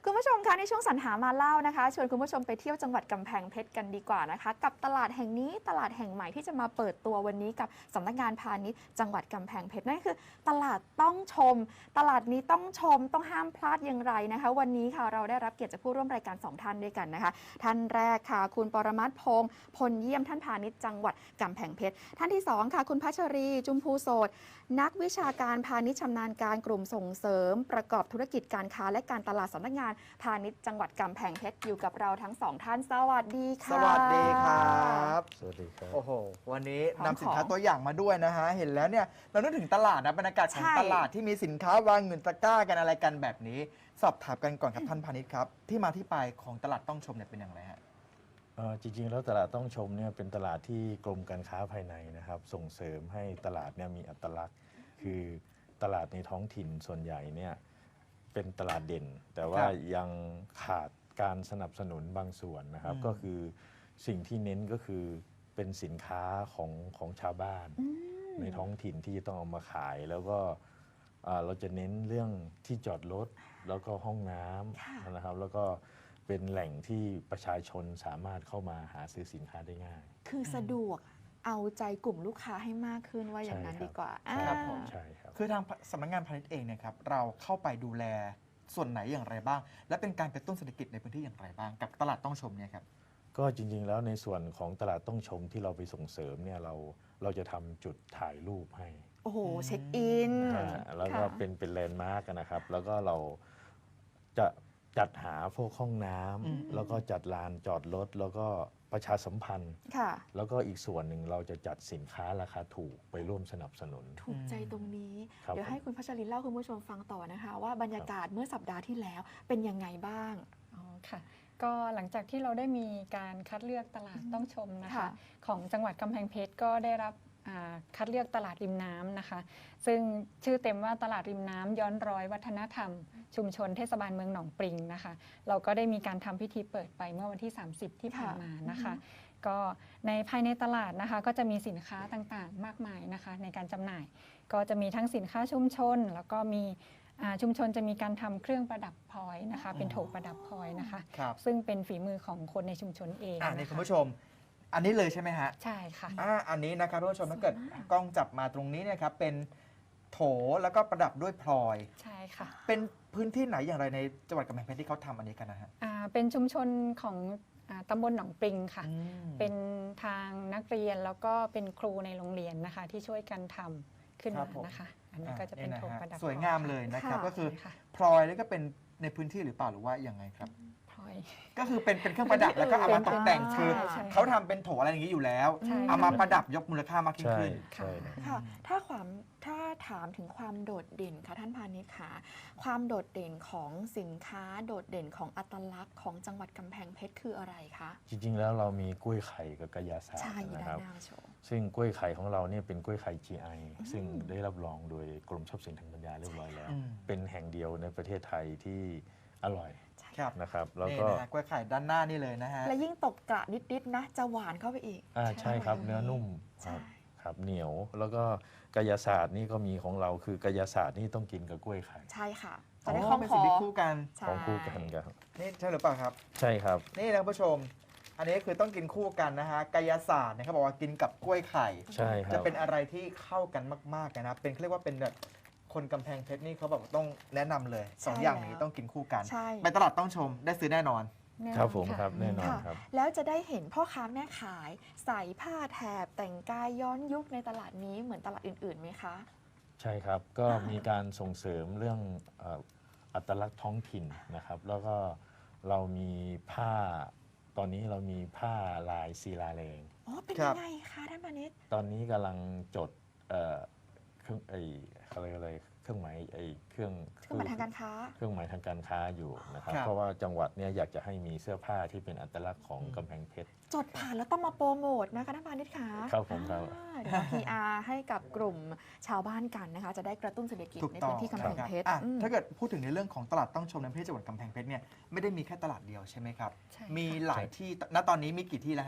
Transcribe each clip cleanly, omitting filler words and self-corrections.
คุณผู้ชมคะในช่วงสรรหามาเล่านะคะชวนคุณผู้ชมไปเที่ยวจังหวัดกำแพงเพชรกันดีกว่านะคะกับตลาดแห่งนี้ตลาดแห่งใหม่ที่จะมาเปิดตัววันนี้กับสำนักงานพาณิชย์จังหวัดกำแพงเพชรนั่นคือตลาดต้องชมตลาดนี้ต้องชมต้องห้ามพลาดอย่างไรนะคะวันนี้ค่ะเราได้รับเกียรติจากผู้ร่วมรายการ2ท่านด้วยกันนะคะท่านแรกค่ะคุณปรมัตถ์พงษ์พลเยี่ยมท่านพาณิชย์จังหวัดกำแพงเพชรท่านที่2ค่ะคุณพัชรีจุมพูโสดนักวิชาการพาณิชย์ชำนาญการกลุ่มส่งเสริมประกอบธุรกิจการค้าและการตลาดสำนักงานพาณิชย์จังหวัดกำแพงเพชรอยู่กับเราทั้ง2ท่านสวัสดีค่ะสวัสดีครับสวัสดีครับโอ้โหวันนี้พร้อมนำสินค้าตัวอย่างมาด้วยนะฮะเห็นแล้วเนี่ยเรานึกถึงตลาดนะบรรยากาศของใช่ตลาดที่มีสินค้าวางเงินตะกร้ากันอะไรกันแบบนี้ สอบถามกันก่อนครับท่านพาณิชย์ครับที่มาที่ไปของตลาดต้องชมเนี่ยเป็นอย่างไรฮะจริงๆแล้วตลาดต้องชมเนี่ยเป็นตลาดที่กรมการค้าภายในนะครับส่งเสริมให้ตลาดเนี่ยมีอัตลักษณ์ คือตลาดในท้องถิ่นส่วนใหญ่เนี่ยเป็นตลาดเด่น แต่ว่ายังขาดการสนับสนุนบางส่วนนะครับก็คือสิ่งที่เน้นก็คือเป็นสินค้าของชาวบ้านในท้องถิ่นที่จะต้องเอามาขายแล้วก็เราจะเน้นเรื่องที่จอดรถแล้วก็ห้องน้ำนะครับแล้วก็เป็นแหล่งที่ประชาชนสามารถเข้ามาหาซื้อสินค้าได้ง่ายคือสะดวกเอาใจกลุ่มลูกค้าให้มากขึ้นว่าอย่างนั้นใช่ครับดีกว่าครับผมใช่ครับคือทางสำนักงานพาณิชย์เองเนี่ยครับเราเข้าไปดูแลส่วนไหนอย่างไรบ้าง และเป็นการกระตุ้นเศรษฐกิจในพื้นที่อย่างไรบ้างกับตลาดต้องชมเนี่ยครับก็จริงๆแล้วในส่วนของตลาดต้องชมที่เราไปส่งเสริมเนี่ยเราจะทำจุดถ่ายรูปให้โอ้โหเช็คอินแล้วก็ค่ะเป็นแลนด์มาร์กนะครับ แล้วก็เราจะจัดหาพวกห้องน้ำแล้วก็จัดลานจอดรถแล้วก็ประชาสัมพันธ์ค่ะแล้วก็อีกส่วนหนึ่งเราจะจัดสินค้าราคาถูกไปร่วมสนับสนุนถูกใจตรงนี้ครับเดี๋ยวให้คุณพัชรินเล่าคุณผู้ชมฟังต่อนะคะ ว่าบรรยากาศเมื่อสัปดาห์ที่แล้วเป็นยังไงบ้างอ๋อค่ะก็หลังจากที่เราได้มีการคัดเลือกตลาดต้องชมนะคะค่ะของจังหวัดกำแพงเพชรก็ได้รับคัดเลือกตลาดริมน้ำนะคะ ซึ่งชื่อเต็มว่าตลาดริมน้ำย้อนรอยวัฒนธรรม ชุมชนเทศบาลเมืองหนองปริงนะคะ เราก็ได้มีการทำพิธีเปิดไปเมื่อวันที่ 30 ที่ผ่านมานะคะ ก็ในภายในตลาดนะคะก็จะมีสินค้าต่างๆ มากมายนะคะในการจำหน่าย ก็จะมีทั้งสินค้าชุมชน แล้วก็มีชุมชนจะมีการทำเครื่องประดับพลอยนะคะ เป็นโถประดับพลอยนะคะครับซึ่งเป็นฝีมือของคนในชุมชนเองนี่นะคุณคะผู้ชม อันนี้เลยใช่ไหมฮะใช่ค่ะอันนี้นะครับท่านผู้ชมถ้าเกิดกล้องจับมาตรงนี้เนะครับเป็นโถแล้วก็ประดับด้วยพลอยใช่ค่ะเป็นพื้นที่ไหนอย่างไรในจังหวัดกำแพงเพชรที่เขาทำอันนี้กันนะฮะเป็นชุมชนของตำบลหนองปริงค่ะอืมเป็นทางนักเรียนแล้วก็เป็นครูในโรงเรียนนะคะ ที่ช่วยกันทำขึ้นครัมาบผมนะคะ อันนี้ก็จะเป็นโถประดับสวยงามเลยนะครับค่ะก็คือใช่ค่ะพลอยแล้วก็เป็นในพื้นที่หรือเปล่าหรือว่ายังไงครับพลอยก็คือเป็นเครื่องประดับแล้วก็เอามาตกแต่งใช่คือใช่เขาทำเป็นโถอะไรอย่างนี้อยู่แล้วใช่เอามาประดับยกมูลค่ามากยิ่งใช่ขึ้นใช่นะค่ะถ้าถามถึงความโดดเด่นค่ะท่านพาณิชย์ค่ะความโดดเด่นของสินค้าโดดเด่นของอัตลักษณ์ของจังหวัดกำแพงเพชรคืออะไรคะจริงๆแล้วเรามีกล้วยไข่กับกระยาศาสตใช่ร์ด้านะนครับหน้าโชว์ซึ่งกล้วยไข่ของเราเนี่ยเป็นกล้วยไข่ GI ซึ่งได้รับรองโดยกรมทรัพย์สินทางปัญญาเรียบร้อยแล้วอืมเป็นแห่งเดียวในประเทศไทยที่อร่อยครับนะครับ แล้วนี่ก็นะฮะกล้วยไข่ด้านหน้านี่เลยนะฮะและยิ่งตกกระนิดๆนะจะหวานเข้าไปอีกใช่ครับเนื้อนุ่มคใช่รับครับเหนียว แล้วก็กายศาสตร์นี่ก็มีของเราคือกายศาสตร์นี่ต้องกินกับกล้วยไข่ใช่ค่ะอ๋จะได้อคล่องเป็นคสิ่องที่คู่กันใช่ของคู่กันครับนี่ใช่หรือเปล่าครับใช่ครับนี่นะคุณผู้ชม อันนี้คือต้องกินคู่กันนะฮะกายศาสตร์นะครับบอกว่ากินกับกล้วยไข่ใช่ครัจะบเป็นอะไรที่เข้ากันมากๆนะครับเป็นเขาเรียกว่าเป็นแบบคนกำแพงเพชรนี่เขาแบบต้องแนะนำเลยสองอย่างนี้ต้องกินคู่กันใช่ไปตลาดต้องชมได้ซื้อแน่นอนแน่นอนครับผมะครับแน่นอนค่ะครับแล้วจะได้เห็นพ่อค้าแม่ขายใส่ผ้าแถบแต่งกายย้อนยุคในตลาดนี้เหมือนตลาดอื่นๆไหมคะใช่ครับ ก็มีการส่งเสริมเรื่องอัตลักษณ์ท้องถิ่นนะครับ แล้วก็เรามีผ้า ตอนนี้เรามีผ้าลายศิลาแรงอ๋อ เป็นครัยับงไงคะท่านพาณิชย์ตอนนี้กำลังจดเครื่องอะไรเครื่องหมายเครื่องเครื่องหมายทางการค้าเครื่องหมายทางการค้าอยู่นะครับครับเพราะว่าจังหวัดเนี่ยอยากจะให้มีเสื้อผ้าที่เป็นอัตลักษณ์ของกำแพงเพชรจดผ่านแล้วต้องมาโปรโมทนะคะท่านพาณิชย์คะครับผมครับเดี๋ยวมา PR ให้กับกลุ่มชาวบ้านกันนะคะ จะได้กระตุ้นเศรษฐกิจถูกในต้องพื้นที่กำแพงเพชรอ่ะอืมถ้าเกิดพูดถึงในเรื่องของตลาดต้องชมในประเทศจังหวัดกำแพงเพชรเนี่ยไม่ได้มีแค่ตลาดเดียวใช่ไหมครับใช่ค่ะมีหลายที่ณตอนนี้มีกี่ที่แล้วฮะ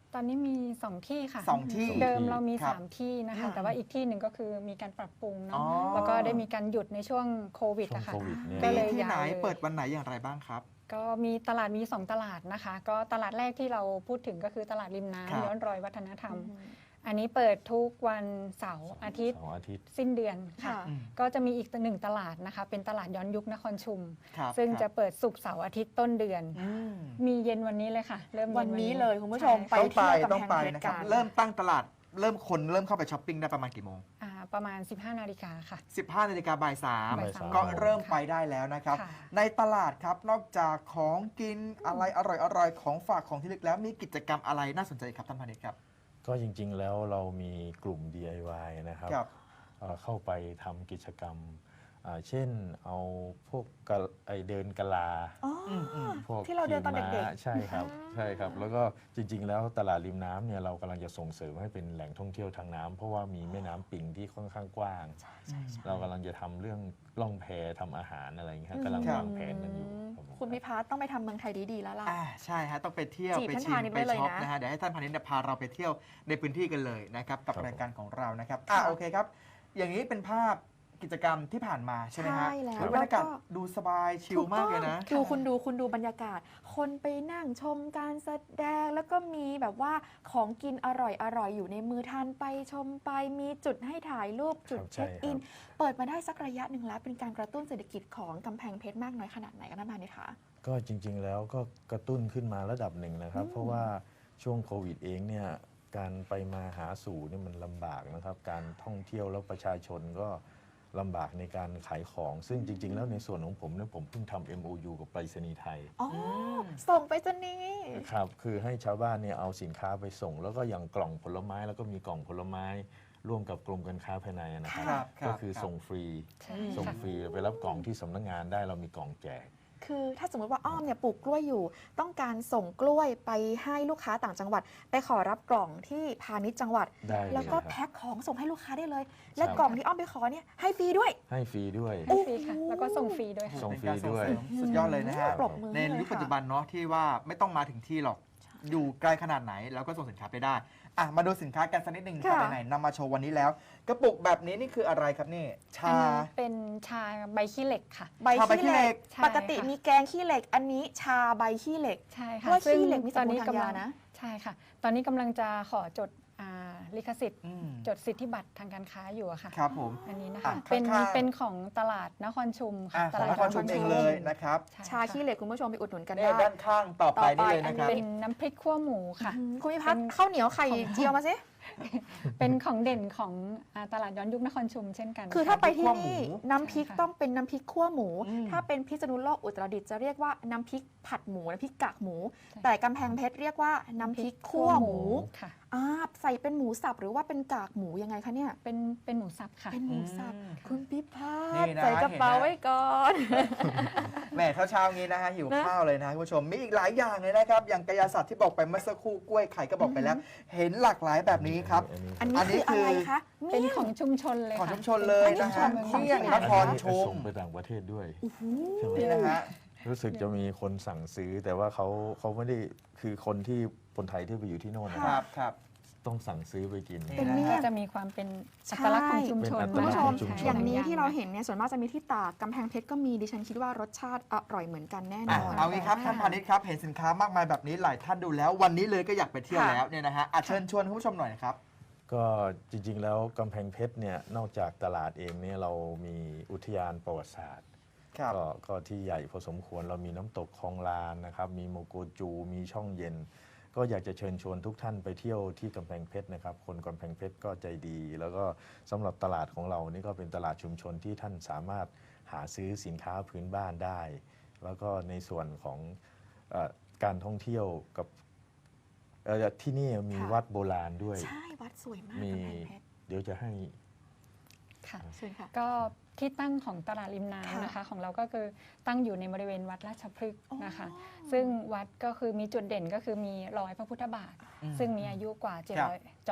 ตอนนี้มี 2 ที่ค่ะ 2 ที่เดิมเรามีครับ 3 ที่นะคะค่ะแต่ว่าอีกที่หนึ่งก็คือมีการปรับปรุงอ๋เนาะอแล้วก็ได้มีการหยุดในช่วงโควิดช่วงอะค่ะโควิดเนี่ยก็มีเลยที่ไหนยาวเลยเปิดวันไหนอย่างไรบ้างครับก็มีตลาดมี 2 ตลาดนะคะ ก็ตลาดแรกที่เราพูดถึงก็คือตลาดริมครับน้ำย้อนรอยวัฒนธรรมอืมอันนี้เปิดทุกวันเสาร์อาทิตย์เสาร์อาทิตย์สิ้นเดือนค่ะค่ะอืมก็จะมีอีกหนึ่งตลาดนะคะ เป็นตลาดย้อนยุคนครชุมครับซึ่งครับจะเปิดศุกร์เสาร์อาทิตย์ต้นเดือนอืมมีเย็นวันนี้เลยค่ะ เริ่มวัเย็นนนี้เลยคุณผู้ชมใช่ไปค่ะต้องไปเที่ยวกำแพงเพชรนะครับกันเริ่มตั้งตลาดเริ่มเข้าไปช้อปปิ้งได้ประมาณกี่โมงประมาณ 15 นาฬิกาค่ะ 15 นาฬิกาบ่ายบ่ายสาม 3ก็เริ่มไปได้แล้วนะครับค่ะในตลาดครับนอกจากของกินอะไรอร่อยๆของฝากของที่ระลึกแล้วมีกิจกรรมอะไรน่าสนใจครับท่านพาณิชย์ครับก็จริง ๆ แล้วเรามีกลุ่ม DIY นะครับครับเข้าไปทำกิจกรรมเช่นเอาพวกเดินกะลาอ๋ออมพวกที่เราเดินตอนเด็กขี่ม้าใช่ครับอ่าใช่ครับ แล้วก็จริง ๆ แล้วตลาดริมน้ำเนี่ยเรากำลังจะส่งเสริมให้เป็นแหล่งท่องเที่ยวทางน้ำเพราะว่ามีแม่น้ำปิงที่ค่อนข้างกว้าง เรากำลังจะทำเรื่องล่องแพทำอาหารอะไรอย่างเงี้ยอืมกำลังวางแผนกันอยู่รับผมคุณพิพัฒน์ต้องไปทำเมืองไทยดีๆแล้วล่ะใช่ฮะต้องไปเที่ยวจีบไปท่านชิมพาณิชย์ไปไว้เลยช็อปนะนะฮะเดี๋ยวให้ท่านพาณิชย์เนี่ยพาเราไปเที่ยวในพื้นที่กันเลยนะครับกับครับรายการของเรานะครับค่ะโอเคครับ อย่างนี้เป็นภาพกิจกรรมที่ผ่านมาใช่ไหมฮะใช่แล้วบรรยากาศแล้วก็ดูสบายชิลมากเลยนะถูกต้องคุณดูบรรยากาศ คนไปนั่งชมการแสดงแล้วก็มีแบบว่าของกินอร่อยอยู่ในมือทานไปชมไปมีจุดให้ถ่ายรูปจุดครับเช็คอินใช่ครับเปิดมาได้สักระยะหนึ่งแล้ว เป็นการกระตุ้นเศรษฐกิจของกำแพงเพชรมากน้อยขนาดไหนกันท่านพาณิชย์คะก็จริง ๆ แล้วก็กระตุ้นขึ้นมาระดับหนึ่งนะครับ เพราะว่าช่วงโควิดเองเนี่ยการไปมาหาสู่เนี่ยมันลำบากนะครับ การท่องเที่ยวแล้วประชาชนก็ลำบากในการขายของ ซึ่งจริง ๆ แล้วในส่วนของผมเนี่ยผมเพิ่งทำ MOU กับไปรษณีย์ไทยอ๋อมส่งไปจะนี้ครับคือให้ชาวบ้านเนี่ยเอาสินค้าไปส่ง แล้วก็อย่างกล่องผลไม้แล้วก็มีกล่องผลไม้ร่วมกับกรมการค้าภายในนะครับครับก็คือครับส่งฟรีใช่ส่งค่ะฟรีไปรับกล่องที่สำนักงานได้เรามีกล่องแจกคือถ้าสมมติว่าอ้อมเนี่ยปลูกกล้วยอยู่ ต้องการส่งกล้วยไปให้ลูกค้าต่างจังหวัด ไปขอรับกล่องที่พาณิชย์จังหวัดได้เลยแล้วก็ครับแพ็คของส่งให้ลูกค้าได้เลย และครับกล่องที่อ้อมไปขอเนี่ยให้ฟรีด้วยให้ฟรีด้วยให้ฟรีค่ะ แล้วก็ส่งฟรีด้วยค่ะส่งเป็นการฟรีด้วยส่งเสริมสุดยอดเลยนะฮะปรบมือในให้เลยยุคค่ะปัจจุบันเนาะที่ว่าไม่ต้องมาถึงที่หรอก อยู่ไกลขนาดไหนแล้วก็ส่งสินค้าไปได้มาดูสินค้ากันสักนิดหนึ่งครับค่ะไหนๆนำมาโชว์วันนี้แล้ว กระปุกแบบนี้นี่คืออะไรครับนี่อันชานี้เป็นชาใบขี้เหล็กค่ะใบชาใบขี้ขี้เหเหล็ล็กกใช่ปกติค่ะมีแกงขี้เหล็ก อันนี้ชาใบขี้เหล็กใช่เพค่ะราะว่าซึ่งขี้เหล็กมีสรรพตอนคุณนี้ทางยากำลังนะใช่ค่ะ ตอนนี้กำลังจะขอจดลิขสิทธิ์อืมจดสิทธิบัตรทางการค้าอยู่อะค่ะครับผมอันนี้นะอ่ะคะ เป็นข้างๆเป็นของตลาดนครชุมค่ะของนตลาดครชุมเองเลยนะครับใช่ชาค่ะขี้เหล็กคุณผู้ชมไปอุดหนุนกันเนี่ยได้ด้านข้างต่อไปนี่เลยนะครับเป็นน้ำพริกขั่วหมูค่ะคุณพิพัฒน์ข้าวเหนียวไข่เจียวมาสิเป็นของเด่นของตลาดย้อนยุคนครชุมเช่นกันคือถ้าไปที่คั่วหมูนี่น้ำพริกใช่ค่ะต้องเป็นน้ำพริกขั่วหมูอืมถ้าเป็นพิษณุโลกอุตรดิตถ์จะเรียกว่าน้ำพริกผัดหมูน้ำพริกกากหมูใช่แต่กำแพงเพชรเรียกว่าน้ำพริกขั่วหมูค่ะใส่เป็นหมูสับหรือว่าเป็นกากหมูยังไงคะเนี่ยเป็นหมูสับค่ะเป็นหมูสับอืมคุณพิพัฒนี่น์นะใส่กระเป๋าเห็นนะไว้ก่อนแหม่เช้าๆงี้นะฮะหิวนะข้าวเลยนะคุณผู้ชมมีอีกหลายอย่างเลยนะครับ อย่างกายศาสตร์ที่บอกไปเมื่อสักครู่กล้วยไข่ก็บอกไปแล้ว เห็นหลากหลายแบบนี้ครับอันอันี้นนี้คืออะไรคือคะเป็นมี่ยของชุมชนเลยของค่ะชุมชนเลยนะฮะของเมี่ยงที่ไหนนครชุมส่งไปต่างประเทศด้วยโอ้โหใช่ไหมนี่นะฮะรู้สึกจะมีคนสั่งซื้อ แต่ว่าเขาไม่ได้คือคนไทยที่ไปอยู่ที่โน่นนะคครัรับบ ครับต้องสั่งซื้อไปกินเป็นเมี่ก็ยงจะมีความเป็นอัตลักษณ์ของชุมชนเป็นอัตคุณลัผู้กษชณ์มของชุมชนอย่างนี้ที่เราเห็นเนี่ยส่วนมากจะมีที่ตากกำแพงเพชรก็มีดิฉันคิดว่ารสชาติอร่อยเหมือนกันแน่นอนเอางี้ครับท่านพาณิชย์ครับเห็นสินค้ามากมายแบบนี้หลายท่านดูแล้ววันนี้เลยก็อยากไปเที่ยวค่ะแล้วเนี่ยนะฮะเชิญชวนคุณผู้ชมหน่อยนะครับก็จริงๆแล้วกำแพงเพชรเนี่ยนอกจากตลาดเองเนี่ยเรามีอุทยานประวัติศาสตร์ครับก็ที่ใหญ่พอสมควรเรามีน้ำตกคลองลานนะครับมีโมโกจูมีช่องเย็น ก็อยากจะเชิญชวนทุกท่านไปเที่ยวที่กำแพงเพชรนะครับคนกำแพงเพชรก็ใจดี แล้วก็สำหรับตลาดของเรานี่ก็เป็นตลาดชุมชนที่ท่านสามารถหาซื้อสินค้าพื้นบ้านได้ แล้วก็ในส่วนของการท่องเที่ยวกับที่นี่มีค่ะวัดโบราณด้วยใช่วัดสวยมากมีกำแพงเพชรเดี๋ยวจะให้ค่ะเชิญค่ะก็ที่ตั้งของตลาดริมค่ะน้ำนะคะของเราก็คือตั้งอยู่ในบริเวณวัดราชพฤกษ์นะคะอ๋อซึ่งวัดก็คือมีจุดเด่นก็คือมีรอยพระพุทธบาท ซึ่งมีอายุกว่าครับ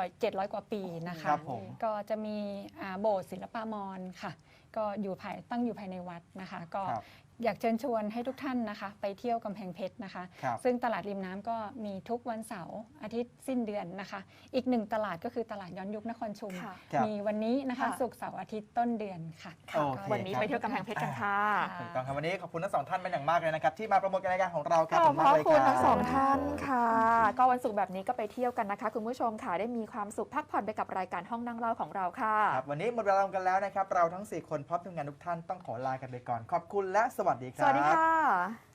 700 กว่าปีนะคคะรับผมก็จะมีโบสถ์ศิลปามรค่ะ ก็ตั้งอยู่ภายในวัดนะคะ ก็ครับอยากเชิญชวนให้ทุกท่านนะคะไปเที่ยวกำแพงเพชรนะคะครับซึ่งตลาดริมน้ำก็มีทุกวันเสาร์อาทิตย์สิ้นเดือนนะคะ อีกหนึ่งตลาดก็คือตลาดย้อนยุคนครชุมค่ะครับมีวันนี้นะคะค่ะศุกร์เสาร์อาทิตย์ต้นเดือนค่ะโอเควันนี้ไปเที่ยวกำแพงเพชรกันค่ะถูกต้องครับวันนี้ขอบคุณทั้งสองท่านเป็นอย่างมากเลยนะครับที่มาโปรโมทรายการของเราคขรับอบพระคุณทั้งสองรับท่านค่ะ ก็วันศุกร์แบบนี้ก็ไปเที่ยวกันนะคะ คุณผู้ชมค่ะได้มีความสุขพักผ่อนไปกับรายการห้องนั่งเล่าของเราค่ะครับวันนี้หมดเวลาลงกันแล้วนะครับ เราทั้ง 4 คนพร้อมทีมงานทุกท่านต้องขอลากันไปก่อน ขอบคุณและสวัสดีคสรับวัสดีค่ะ